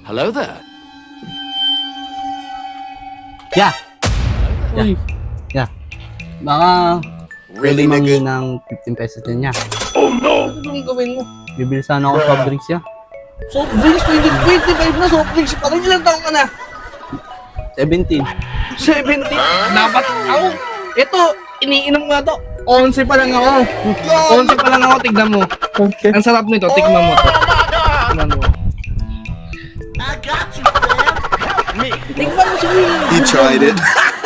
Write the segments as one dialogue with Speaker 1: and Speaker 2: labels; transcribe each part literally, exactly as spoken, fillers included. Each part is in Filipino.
Speaker 1: Hello there.
Speaker 2: Yeah.
Speaker 3: Uy,
Speaker 2: Yeah. Baka
Speaker 4: Really,
Speaker 2: pwede mangi
Speaker 4: nigga?
Speaker 2: ng fifteen pesos din niya.
Speaker 3: ano yung gawin mo?
Speaker 2: Bibili sana ako soft drinks niya.
Speaker 3: Soft drinks, twenty twenty-five na soft drinks pa rin. Ilang taong ka na?
Speaker 2: seventeen.
Speaker 3: seventy. Dapat ako. Ito, iniinom nga to. eleven pa lang ako. eleven pa lang ako, tignan mo.
Speaker 2: Okay.
Speaker 3: Ang sarap nito, tignan mo to. Tignan mo. Tignan mo si Will.
Speaker 4: You tried it.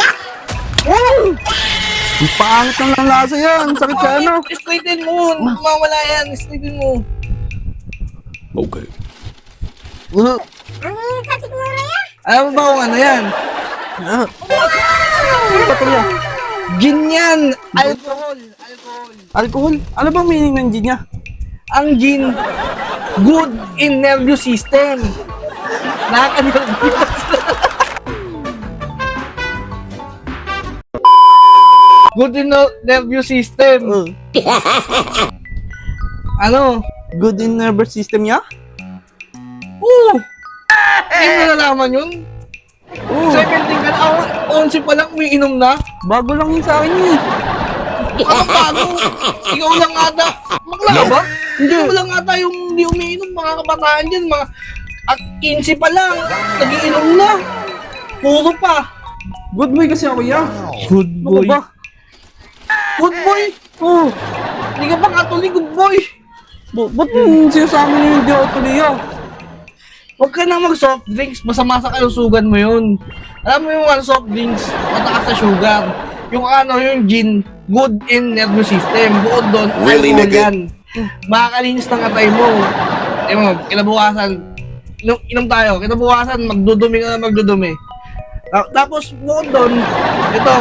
Speaker 2: Ang pangit ng lang lasa yan. Sakit sa ano.
Speaker 3: Straighten mo. Mawala yan. Straighten mo.
Speaker 1: Okay.
Speaker 2: Uh,
Speaker 3: Alam mo ba kung ano yan?
Speaker 2: ah. Ano ba ito niya?
Speaker 3: Gin yan. Alcohol. Alcohol.
Speaker 2: Alcohol? Ano bang meaning ng gin niya?
Speaker 3: Ang gin, good in nervous system. Nakaka-nervous. Good in no- nervous system.
Speaker 2: Uh,
Speaker 3: Ano?
Speaker 2: good in nervous system niya?
Speaker 3: Oo! Hindi mo nalaman yun?
Speaker 2: Oo.
Speaker 3: seventeen ka na, ako, eleven pa lang umiinom na.
Speaker 2: Bago lang yun sa akin yun eh.
Speaker 3: Ano bago? Ikaw lang ata. Bakla ba? Hindi. Ikaw lang ata yung hindi umiinom. Mga kabataan dyan, mga at fifteen pa lang, nagiinom na. Puro pa.
Speaker 2: Good boy kasi ako yan. Good
Speaker 3: boy.
Speaker 2: Ano ba?
Speaker 3: Good boy.
Speaker 2: Oh,
Speaker 3: Hindi ka pa katuloy, good boy.
Speaker 2: ba- ba't yung sinasabi niyo yung di ako tuloy ah?
Speaker 3: Huwag ka na mag-soft drinks, masama sa kalusugan mo yun. Alam mo yung ano, soft drinks, matakas sa sugar. Yung ano, yung gin, good in nervous system. Bukod doon,
Speaker 4: Really,
Speaker 3: alcohol
Speaker 4: nigga?
Speaker 3: yan. Makakalinis ng atay mo. Eh mo, kinabukasan, inom, inom tayo, kinabukasan, magdudumi ka na magdudumi. Ta- Tapos, bukod doon, ito,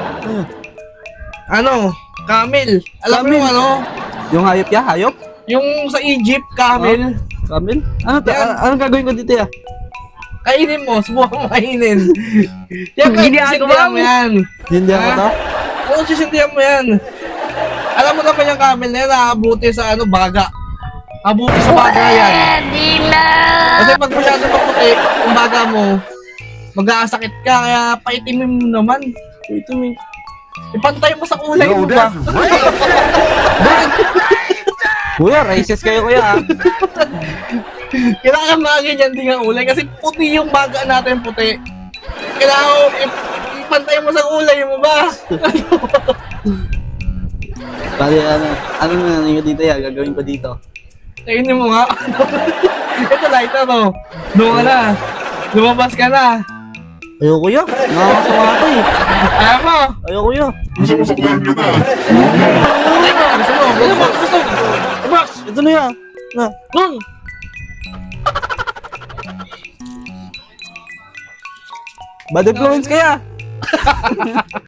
Speaker 3: ano, camel. Alam mo
Speaker 2: Camel?
Speaker 3: yung ano,
Speaker 2: Yung hayop ya, hayop?
Speaker 3: yung sa Egypt, camel.
Speaker 2: Kamil? Ano to?
Speaker 3: Yan.
Speaker 2: A- anong gagawin ko dito ya?
Speaker 3: Kainin mo, subukan mo kainin. Yan, sisindihan mo yan.
Speaker 2: Hindi ako
Speaker 3: Ha?
Speaker 2: to?
Speaker 3: Oo, sisindihan mo yan. Alam mo naman yung camel na yan, nakabuti sa ano, baga. Nakabuti sa baga yan. Kasi pag masyado maputi, yung baga mo, mag-aasakit ka, kaya paitimin mo naman.
Speaker 2: Ito may...
Speaker 3: Ipantay mo sa kulay mo ba?
Speaker 2: Kuya, racist kayo kuya ah.
Speaker 3: Kailangan mga ganyan din ang kulay kasi puti yung baga natin, puti. Kailangan mo, ip- ipantay mo sa kulay mo ba?
Speaker 2: Bali ano, ano na nangyay dito ya? Gagawin ko dito.
Speaker 3: Kainin mo nga. Ito lighter to. Doon ka na. Lumabas ka na.
Speaker 2: Ayoko kuya, nakakasama ako eh.
Speaker 3: Ayaw mo.
Speaker 2: Ayoko kuya.
Speaker 3: Gusto mo, gusto mo, gusto mo. Box!
Speaker 2: Ito na yan. Na.
Speaker 3: Doon!
Speaker 2: Bad influence kaya.